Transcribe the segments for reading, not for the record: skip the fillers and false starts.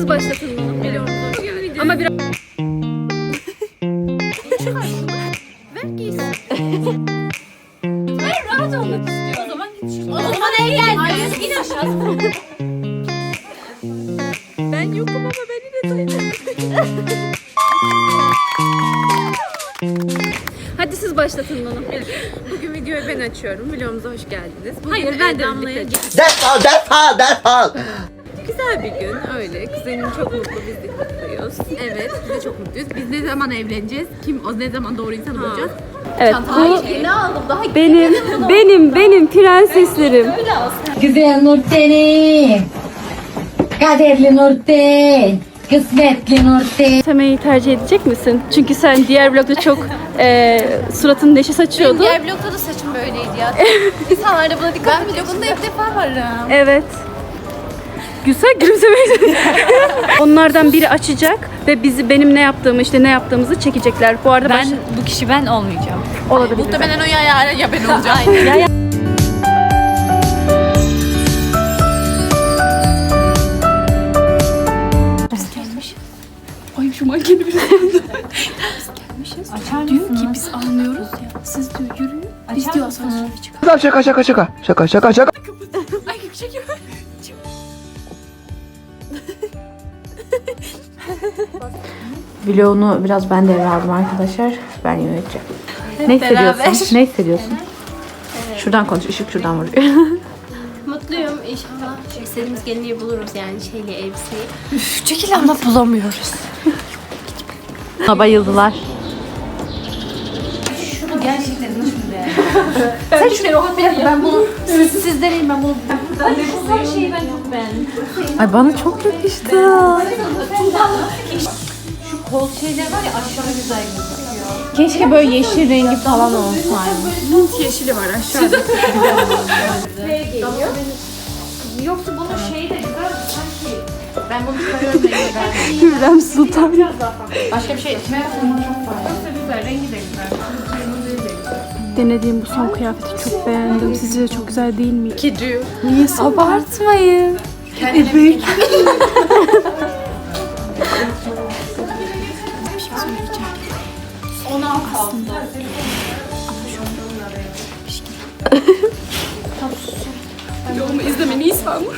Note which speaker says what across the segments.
Speaker 1: siz başlatın bunu. Biliyorum. Ama biraz... Ver giysin. Ver rahat olmak istiyor. O zaman git. O zaman eğlen. Hayır in aşağı. Ben yokum ama beni de duyun. Hadi siz başlatın bunu. Bugün videoyu ben açıyorum. Videomuza hoş geldiniz. Bugün hayır ben de Damla'ya
Speaker 2: Defol.
Speaker 1: Güzel bir gün öyle. Kuzenim çok mutlu, biz de mutluyuz. Evet, biz de çok mutluyuz. Biz ne zaman evleneceğiz? O ne zaman doğru insan bulacağız? Evet, bu benim prenseslerim.
Speaker 3: Güzel Nurten'im, kaderli Nurten, kısmetli Nurten.
Speaker 1: Semeyi tercih edecek misin? Çünkü sen diğer vlogda çok suratın neşe saçıyordun.
Speaker 4: Diğer vlogda da saçım böyleydi ya. İnsanlar da buna dikkat ediyor. Ben vlogunda ilk defa varım.
Speaker 1: Evet. Güzel gülümsemeyi. Onlardan biri açacak ve bizi benim ne yaptığımızı çekecekler. Bu arada
Speaker 4: Bu kişi ben olmayacağım.
Speaker 1: olabilir.
Speaker 4: Muhtemelen o ya ben olacağım.
Speaker 1: Ya. Ay şu mankeni biraz gelmişiz. Diyor ki biz almıyoruz ya. Siz diyor yürüyün. Biz diyor asansöre çıkalım.
Speaker 2: Şaka.
Speaker 1: Ay çekiyor.
Speaker 5: Vlogunu biraz ben devraldım arkadaşlar. Ben yöneteceğim. Ne hissediyorsun? Ne hissediyorsun? Şuradan konuş, ışık şuradan vuruyor.
Speaker 6: Mutluyum inşallah. İstediğimiz gelinliği buluruz yani elbiseyi.
Speaker 4: Çekil ama bulamıyoruz.
Speaker 5: Buna bayıldılar.
Speaker 4: Şunu gerçekten nasıl beğendin? Sen şuraya bak ben bunu siz deneyin ben bunu. Bu şeyi ben çok beğendim.
Speaker 5: Ay bana çok yakıştı.
Speaker 4: Şu kol şeyler var ya aşağı güzel gözüküyor.
Speaker 5: Keşke böyle yeşil rengi falan olsaydı.
Speaker 1: Mint yeşili var aşağıda.
Speaker 4: Yoksa bunun şeyi de güzel sanki. Ben bunu çıkarıyorum rengi ben.
Speaker 5: Hürrem Sultan.
Speaker 4: Başka bir şey içmeye yapmam çok fazla. Yoksa güzel rengi de güzel.
Speaker 1: Denediğim bu son kıyafeti çok beğendim. Sizce de çok güzel değil mi?
Speaker 4: Gidiyor.
Speaker 1: Niye
Speaker 5: Abartmayın.
Speaker 4: Kendine Ona kaldı.
Speaker 1: Yolumu izlemeni iyi sandım.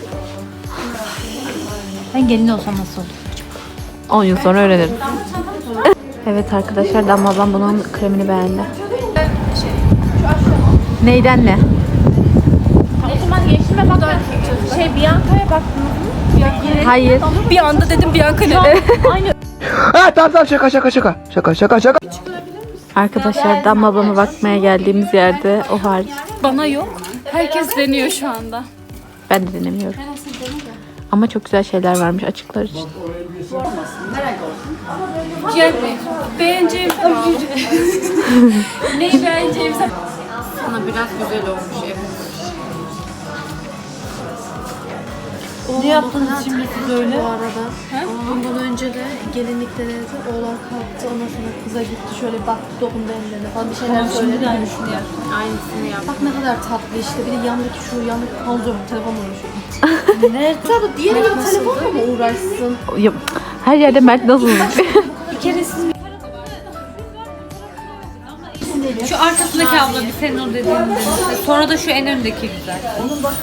Speaker 5: Ben gelin olsam nasıl olur? 10 yıl sonra öğrenirim. Evet arkadaşlar, Damla ablam bunun kremini beğendi. Neyden ne?
Speaker 4: O zaman geçtim bak. Bianca'ya baktım.
Speaker 5: Hayır.
Speaker 1: Bir anda dedim Bianca ne?
Speaker 2: Tamam şaka.
Speaker 5: Arkadaşlar Damla ablama bakmaya geldiğimiz yerde o hariç.
Speaker 1: Bana yok. Herkes deniyor şu anda.
Speaker 5: Ben de denemiyorum. Ama çok güzel şeyler varmış açıklar için.
Speaker 1: Yani beğeneceğim. Neyi beğeneceğim?
Speaker 4: Sana biraz güzel olmuş evet.
Speaker 3: Ne yaptınız şimdi siz öyle? Bu arada. Ondan önce de gelinlik denedi. Oğlan kalktı. Ondan sonra kıza gitti. Şöyle baktı, dokundu ellerine falan bir şeyler söyledi.
Speaker 4: Aynısını yap.
Speaker 3: Bak ne kadar tatlı işte. Bir de yandaki panzor telefonla uğraşıyor. Nerede? Tabii diğeri gibi telefonla mı uğraşsın?
Speaker 5: Ya, her yerde Mert nasıl?
Speaker 4: Şu arkasındaki abla bir senin o dediğin denese. Sonra da şu en öndeki güzel. Onun bak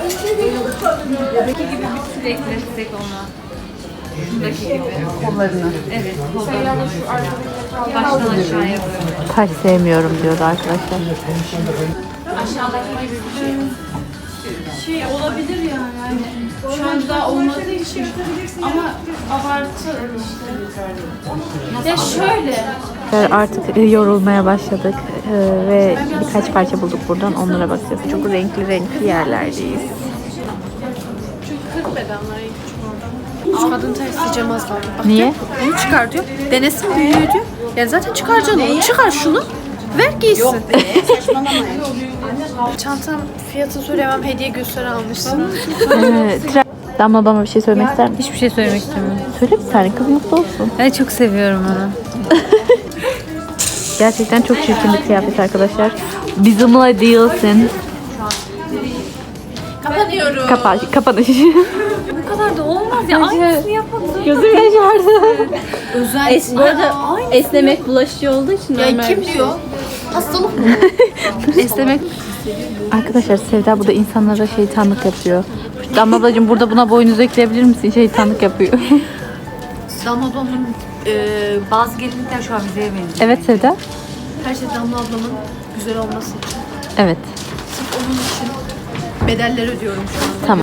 Speaker 4: gibi bir sürü eklesek ona. Şundaki gibi. Kollarını. Evet kollarını. Baştan aşağıya böyle.
Speaker 5: Taş sevmiyorum diyordu arkadaşlar.
Speaker 4: Aşağıdaki gibi bir şey.
Speaker 3: Şey olabilir yani. Şu anda olmadığı için. Ama abartı işte. Ya şöyle.
Speaker 5: Artık yorulmaya başladık ve birkaç parça bulduk buradan, onlara bakacağız. Çok renkli yerlerdeyiz.
Speaker 3: Çünkü 40 bedenler en küçük orada. Şu kadın tersi cemaz var. Bak,
Speaker 5: Niye?
Speaker 3: Bunu çıkar diyor. Denesin büyüğü diyor. Yani zaten çıkaracaksın onu. Çıkar şunu. Ver giysin. Yok be saçmalama. Çantam fiyatını söyleyemem. Hediye gösteri almışsın.
Speaker 5: Damla ablama bir şey söylemek ister misin?
Speaker 4: Hiçbir şey söylemek istemiyorum.
Speaker 5: Söyle bir tane, kız mutlu olsun.
Speaker 4: Ben çok seviyorum onu.
Speaker 5: Gerçekten çok çirkin bir kıyafet arkadaşlar. Bizimle değilsin.
Speaker 3: Kapanıyorum.
Speaker 5: Kapanış.
Speaker 4: kadar da olmaz ya. Aynısını yapalım.
Speaker 5: Gözüm yaşardı.
Speaker 6: Bu arada esnemek bulaşıcı olduğu için normal
Speaker 3: Kim
Speaker 6: bir şey.
Speaker 3: diyor? Hastalık mı?
Speaker 5: Esnemek. Arkadaşlar Sevda burada insanlara şeytanlık yapıyor. Damla ablacığım burada buna boynuzu ekleyebilir misin? Şeytanlık yapıyor.
Speaker 4: Damla ablamın bazı gelinlikler şu an bize benziyor.
Speaker 5: Evet Sevda.
Speaker 3: Her şey Damla ablamın güzel olması için.
Speaker 5: Evet.
Speaker 3: Sırf onun için bedeller ödüyorum şu anda.
Speaker 5: Tamam.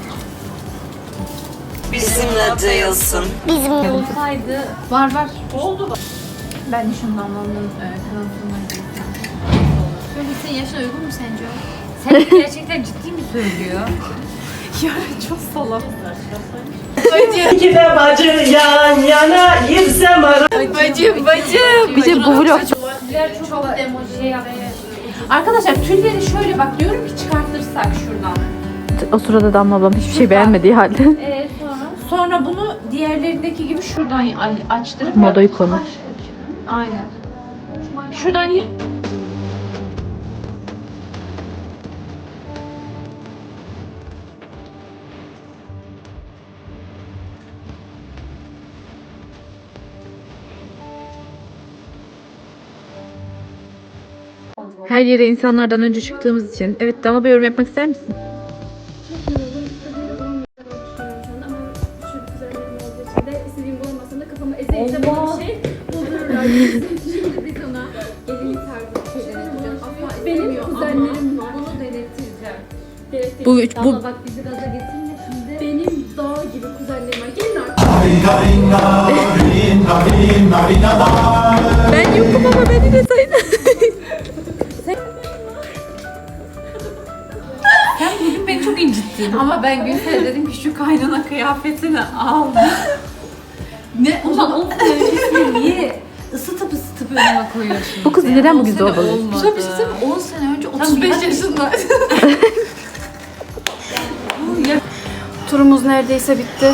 Speaker 4: Olsaydı
Speaker 3: Var.
Speaker 4: ben de şunun Damla'nın kanatına
Speaker 3: Böyle senin yaşına uygun mu sence?
Speaker 4: Sen gerçekten ciddi mi söylüyor?
Speaker 3: Çok salak.
Speaker 7: İki de bacı yan yana girsem ara.
Speaker 5: Bir şey bu vlog
Speaker 4: Çok şey yapmış. Arkadaşlar tülleri şöyle bak diyorum ki çıkartırsak şuradan.
Speaker 5: o sırada Damla ablam hiçbir şey beğenmediği halde.
Speaker 4: Sonra bunu diğerlerindeki gibi şuradan açtırıp
Speaker 5: Modayı konu.
Speaker 4: aynen. Şuradan
Speaker 5: Her yere insanlardan önce çıktığımız için. Evet Damla bir yorum yapmak ister misin?
Speaker 1: İstediğim bulamazsam da kafama ezeyeceğim bir şey doldururlar. Şimdi biz ona gelinlik tarzı bir şey deneteceğiz. Benim kuzenlerim var. Bunu denettireceğim.
Speaker 5: Bu
Speaker 1: Bak bizi gaza getirme şimdi. Benim dağ gibi kuzenlerim var. Gelin artık.
Speaker 5: ben yokum ama beni de sayın.
Speaker 4: bugün beni çok incittin. Ama ben Gülsel'e dedim ki şu kaynana kıyafetini al. Ne? Ulan o öncesini niye ısıtıp önüme koyuyorsun?
Speaker 5: Bu kız neden bugün zorbalı?
Speaker 4: Güzel bir şey söyleyeyim mi? 10 sene önce 35 yaşında.
Speaker 3: Turumuz neredeyse bitti.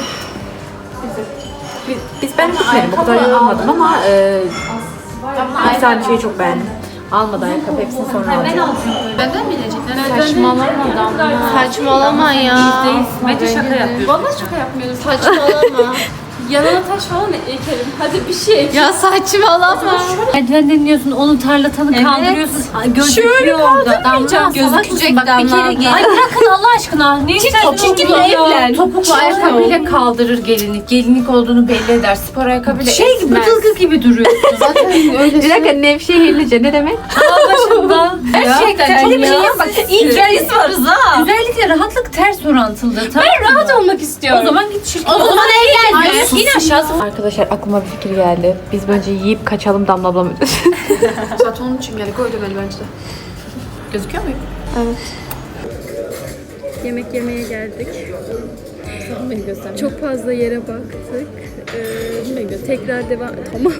Speaker 5: Ben gitmedim. O kadar yorulmadım ama bir tane şeyi çok beğendim. Almadı ayakkabı hepsini sonra alacağım.
Speaker 3: Benden mi inecekler?
Speaker 6: Saçmalama ya.
Speaker 4: Bence şaka yapıyorsun.
Speaker 3: Vallahi şaka yapmıyorum.
Speaker 6: Saçmalama.
Speaker 3: Yanına taş falan ekerim. Hadi bir şey.
Speaker 6: Ya saçmalama.
Speaker 4: Merdivenden iniyorsun, onu tarlatanı kaldırıyorsun. Gözüküyor orada. Damla
Speaker 3: Gözükecek
Speaker 4: bak bir kere gelin. Ay bırakın Allah aşkına. Ne istersin?
Speaker 3: evlen.
Speaker 4: Topuklu ayakkabıyla kaldırır gelinlik. Gelinlik olduğunu belli eder. Spor ayakkabıyla Şey gibi, bıdılgı gibi duruyorsun.
Speaker 3: Zaten öyle
Speaker 5: Bir dakika Nevşehirlice ne demek?
Speaker 4: Başından. Gerçekten
Speaker 3: çok
Speaker 4: ya.
Speaker 3: iyi.
Speaker 4: Bak idealist varız ha. Güzellikle rahatlık ters orantılıdır. Ben rahat olmak istiyorum. O zaman git şirkete. O zaman evlen. İn aşağısı.
Speaker 5: Arkadaşlar aklıma bir fikir geldi. Biz bence yiyip kaçalım Damla ablam ödesin.
Speaker 3: Zaten onun için geldik. Öyle böyle bence de. Gözüküyor muyum?
Speaker 1: Yemek yemeye geldik. Çok fazla yere baktık. Tekrar devam... Tamam.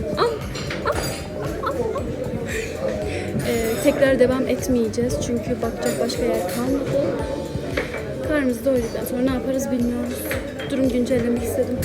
Speaker 1: Tekrar devam etmeyeceğiz çünkü bakacak başka yer kalmadı. Karnımızı doyduktan sonra ne yaparız bilmiyoruz. Durum güncellemek istedim.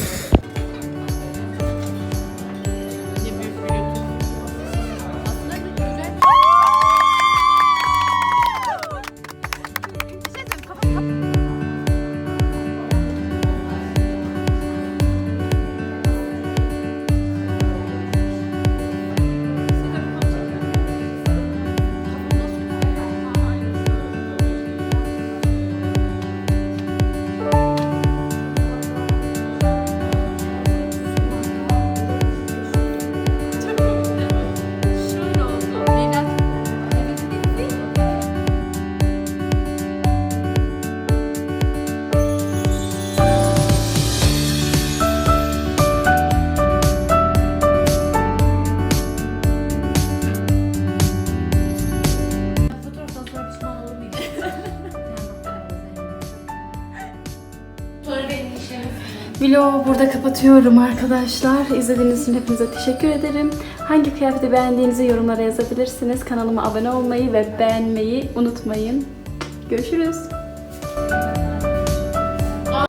Speaker 1: Vlogu burada kapatıyorum arkadaşlar. İzlediğiniz için hepinize teşekkür ederim. Hangi kıyafeti beğendiğinizi yorumlara yazabilirsiniz. Kanalıma abone olmayı ve beğenmeyi unutmayın. Görüşürüz.